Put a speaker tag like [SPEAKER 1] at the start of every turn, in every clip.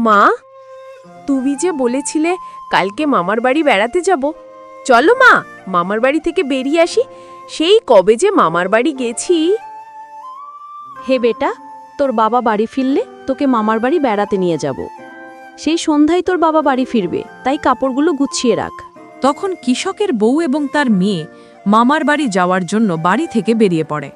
[SPEAKER 1] মা, তুমি যে বলেছিলে কালকে মামার বাড়ি বেড়াতে যাব, চলো মা, মামার বাড়ি থেকে বেরিয়ে আসি। সেই কবে যে মামার বাড়ি গেছি।
[SPEAKER 2] হে বেটা, তোর বাবা বাড়ি ফিরলে তোকে মামার বাড়ি বেড়াতে নিয়ে যাব। সেই সন্ধ্যায় তোর বাবা বাড়ি ফিরবে, তাই কাপড়গুলো গুছিয়ে রাখ।
[SPEAKER 3] তখন কৃষকের বউ এবং তার মেয়ে মামার বাড়ি যাওয়ার জন্য বাড়ি থেকে বেরিয়ে পড়ে।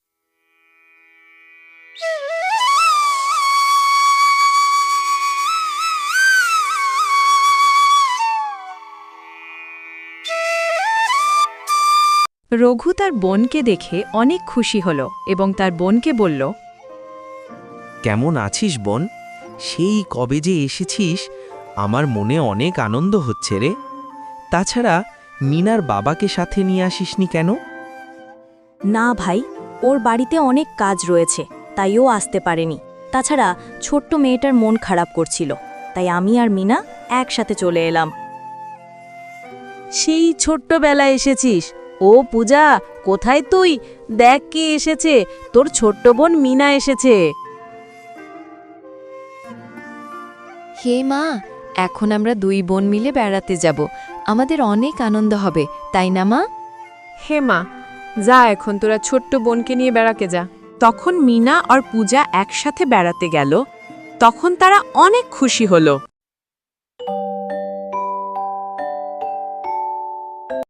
[SPEAKER 3] রঘু তার বোনকে দেখে অনেক খুশি হল এবং তার বোনকে বলল,
[SPEAKER 4] কেমন আছিস বোন? সেই কবে যে এসেছিস, আমার মনে অনেক আনন্দ হচ্ছে রে। তাছাড়া মিনার বাবাকে সাথে নিয়ে আসিসনি কেন?
[SPEAKER 2] না ভাই, ওর বাড়িতে অনেক কাজ রয়েছে, তাই ও আসতে পারেনি। তাছাড়া ছোট্ট মেয়েটার মন খারাপ করছিল, তাই আমি আর মিনা একসাথে চলে এলাম। সেই ছোট্টবেলায় এসেছিস? ও পূজা, কোথায় তুই? দেখ কে এসেছে, তোর ছোট্ট বোন মিনা এসেছে।
[SPEAKER 5] হে মা, এখন আমরা দুই বোন মিলে বেড়াতে যাব। আমাদের অনেক আনন্দ হবে, তাই না মা?
[SPEAKER 1] হে মা, যা, এখন তোরা ছোট্ট বোনকে নিয়ে বেড়াতে যা। তখন মিনা আর পূজা একসাথে বেড়াতে গেল। তখন তারা অনেক খুশি হলো।